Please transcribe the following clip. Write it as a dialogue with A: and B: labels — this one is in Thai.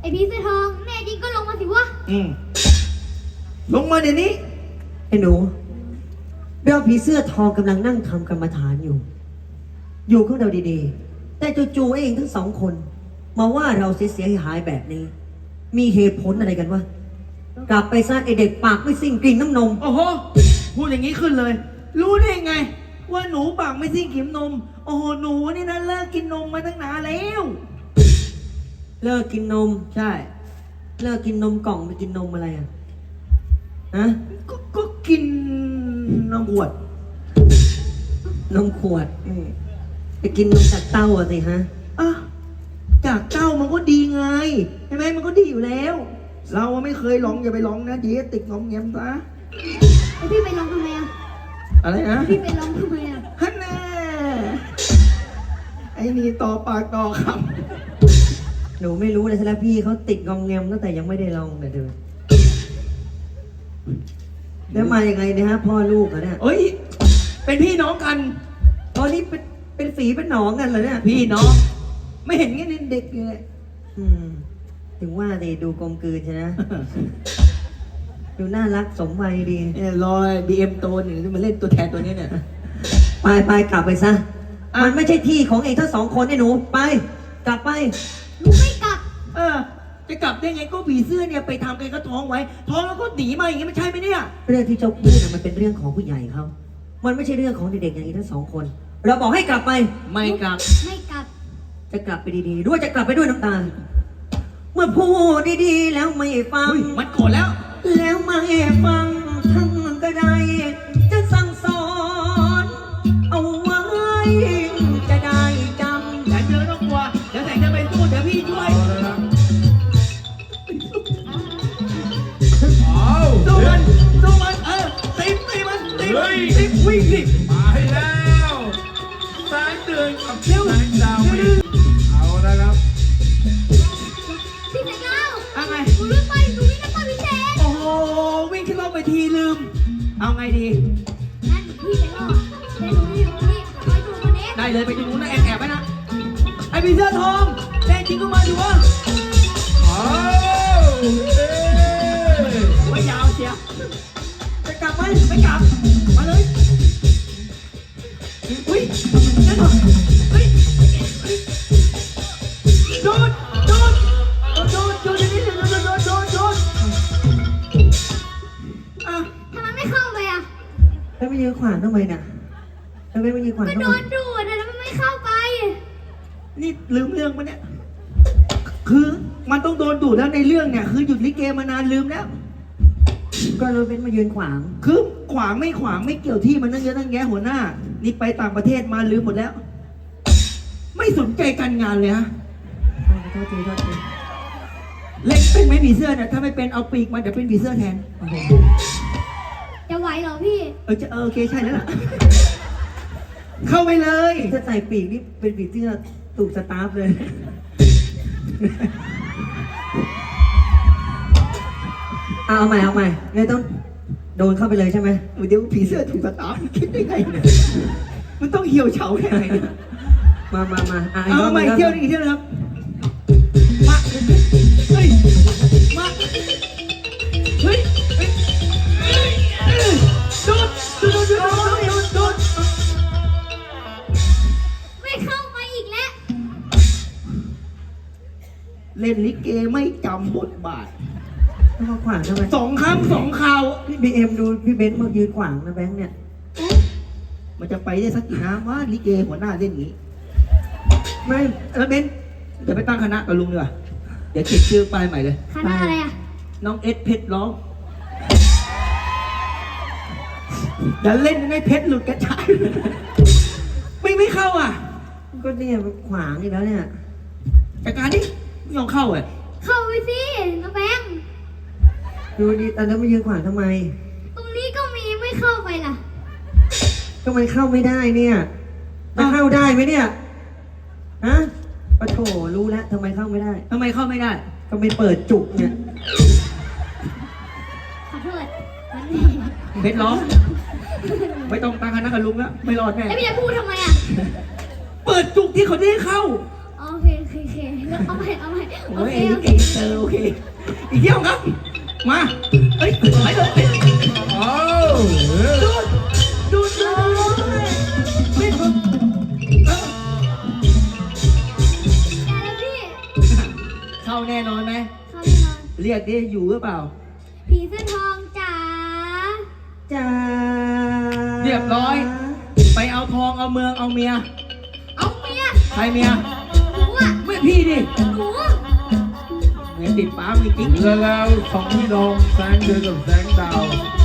A: อ้พี่เสื้อทองแน่จริงก็ลงมาสิวะ
B: ลงมาเดี๋ยวนี้
C: ไอ้หนูเราผีเสื้อทองกำลังนั่งทำกรรมฐานอยู่ของเราดีๆแต่จู่ๆเองทั้งสองคนมาว่าเราเสียหายแบบนี้มีเหตุผลอะไรกันวะกลับไปซะไอเด็กปากไม่สิ้นกลิ่นน้ำนม
B: โอ้โหพูดอย่างนี้ขึ้นเลยรู้ได้ไงว่าหนูปากไม่สิ้นกลิ่นนมโอ้โหหนูนี่นะเลิกกินนมมาตั้งนานแล้ว
C: เลิกกินนม
B: ใช่
C: เลิกกินนมกล่องไปกินนมอะไรอ่ะฮะ
B: ก็กินนมขวด
C: นมขวดไปกินนมจากเต้าอ่ะสิฮะ
B: อ่ะจากเต้ามันก็ดีไงใช่ไหมมันก็ดีอยู่แล้วเราไม่เคยลองอย่าไปลองนะเดี๋ยวติดงอมแงมซะ
A: ไอพี่ไปลองทำไมอ่ะ
B: อะไรนะ
A: พี่ไปลองทำไมอ่ะ
B: ฮันน่าไอ้นี่ต่อปากต่อค
C: ำหนูไม่รู้เลยใช่ไหมพี่เขาติดงอมแงมตั้งแต่ยังไม่ได้ลองเลยเด้อแล้วมายังไงเนี่ยฮะพ่อลูกเหรอเนี่ย
B: เอ้ยเป็นพี่น้องกัน
C: ตอนนี้เป็นฝีเป็นหนองกันเหรอเนี่ย
B: พี่น้องไม่เห็นงี้เด็กเลย
C: ถึงว่าดิดูกลมกลืนใช่ไหมดูน่ารักสมวัยดี
B: รอยBMตัวหนึ่งที่มาเล่นตัวแทนตัวนี้เนี่ย
C: ไปกลับไปซะมันไม่ใช่ที่ของเองทั้งสองคนไอ้หนูไปกลับไป
A: หนูไม่กลับ
B: จะกลับได้ไงก็ผีเสื้อเนี่ยไปทำกันก็ท้องไว้ท้องแล้วก็หนีมาอย่างงี้มันใช่ไหมเนี่ย
C: เรื่องที่เจ้าพูดมันเป็นเรื่องของผู้ใหญ่เขามันไม่ใช่เรื่องของเด็กๆอย่างนี้ทั้งสองคนเราบอกให้กลับไป
B: ไม่กลับ
C: จะกลับไปดีๆด้วยจะกลับไปด้วยน้ำตาเมื่อพูดดีๆแล้วไม่ฟัง
B: มันโกรธแล้ว
C: ไม่ฟังทั้งก็ได้จะสั่งสอนเอาไว้จะได้จำ
B: แต่เธอต้องกลัวเดี๋ยวแต่งจะไปสู้เดี๋ยวพี่ช่วยสู้มันตีมันวิ่งดิ
D: มาให้แล้วแสงเดือนกับแสงดาวเอาละครับ
A: พี่แสงดาว
B: อะไร
A: หนูวิ่งไปพี่แสง
B: โอ้โหวิ่งขึ้นรถไปทีลืมเอาไงดี
A: นั่นพี่ไปรอเดี๋ยวหนูอยู่นี่คอยดูคนนี้
B: ได้เลยไปดูนู้นนะแอบไว้นะไอ้ผีเสื้อทองแน่จริงก็มาดูว่าไม่ยาวเชียจะกลับไหมไม่กลับมาเลยอุ้ยนั่นเหรอเฮ้ยโดนนี่โดน
A: ทำไมไม่เข้าไปอ่ะ
C: แล้วไม่ยืนขวางทำไมน่ะแล้วไม่ยืนขวาง
A: ก็โดนดูดนะแล้วมันไม่เข้าไป
B: นี่ลืมเรื่องมันเนี่ยคือมันต้องโดนดูดแล้วในเรื่องเนี่ยคือหยุดลิเกมานานลืมแล้ว
C: ก็เราเป็นมายืนขวาง
B: คือขวางไม่เกี่ยวที่มันนั่งเยอะนั่งแยะหัวหน้านี่ไปต่างประเทศมาลืมหมดแล้วไม่สนใจการงานเลยฮะ
C: โทษที
B: เล่นเป็นไหมผีเสื้อเนี่ยถ้าไม่เป็นเอาปีกมาเดี๋ยวเป็นผีเสื้อแทน
A: จะไหวเหรอพี่
B: โอเคใช่แล้วล่ะเข้าไปเลย
C: ถ้าใส่ปีกนี่เป็นผีเสื้อถูกสตาร์ฟเลยเอาใหม่เนี่ยต้องโดนเข้าไปเลยใช่ไหม
B: เดี๋ยวผีเสื้อถูกสตาร์ฟคิดได้ไงเนี่ยมันต้องเหี่ยวเฉาแค่ไหน
C: มา
B: เอาใหม่เที่ยวนะครับมาเฮ้ยโดน
A: ไม่เข้าไปอีกแล้ว
B: เล่นลิเกไม่จำบทบาท
C: เขาขวางทำไม
B: 2 ครั้ง 2 คราว
C: พี่บีเอ็มดูพี่เบนซ์มายืนขวางนะแบงค์เนี่ย
B: มันจะไปได้สักกี่น้ำว่าลิเกหัวหน้าเล่นอย่างนี้
C: ไม่
B: แล้วเบนซ์เดี๋ยวไปตั้งคณะกับลุงดีกว่าเดี๋ยวเขียนชื่อป้ายใหม่เลย
A: คณะอะไรอ่ะ
B: น้องเอสเพชรร้องอย่าเล่นให้เพชรหลุดกระจายไม่เข้าอ่ะ
C: ก็เนี่ยขวางอีกแล้วเนี่ย
B: จากการที่ไม่ยอมเข้าอ่ะ
A: เข้าไปสิน้องแบงค์
C: ดูดิแต่แล้วมายืนขวางทำไม
A: ตรงนี้ก็มีไม่เข้าไปล่ะ
C: ทำไมเข้าไม่ได้เนี่ยจะเข้าได้ไหมเนี่ยฮะปะโถรู้แล้วทำไมเข้าไม่ได้
B: ก็
C: ไม่เปิดจุกเนี่ย
A: ขอโทษ
B: เพชรร้องไม่ต้องตั้งคณะกับลุงแล้วไม่รอดแน่
A: ไอ้พี่จะพูดทำไมอ่ะ
B: เปิดจุกที่เขาได้เข้า
A: โอเคเอาใหม่โอ
B: โอ้ย
A: เค
B: นี่
A: โอเค
B: เก่งเตอร์โอเค อีกเที่ยวครับ มาเอ้ยไปเลย
D: เอา
B: ดูเลยไม่ถูก
A: แต่แล้วพี่
B: เข้าแน่นอนไหม
A: เขาแน่นอน
B: เรียกดิอยู่หรือเปล่า
A: ผีเสื้อทองจ๋า
C: จ้า
B: เรียบร้อย ไปเอาทองเอาเมืองเอาเมีย
A: เอาเมีย
B: ใครเมีย
A: หนูอ่ะ
B: ไม่พี่ดิ
A: หนู
B: เมียติดป้ามีกิ๊ก
D: แล้วสองพี่น้องแสงเดือนกับแสงดาว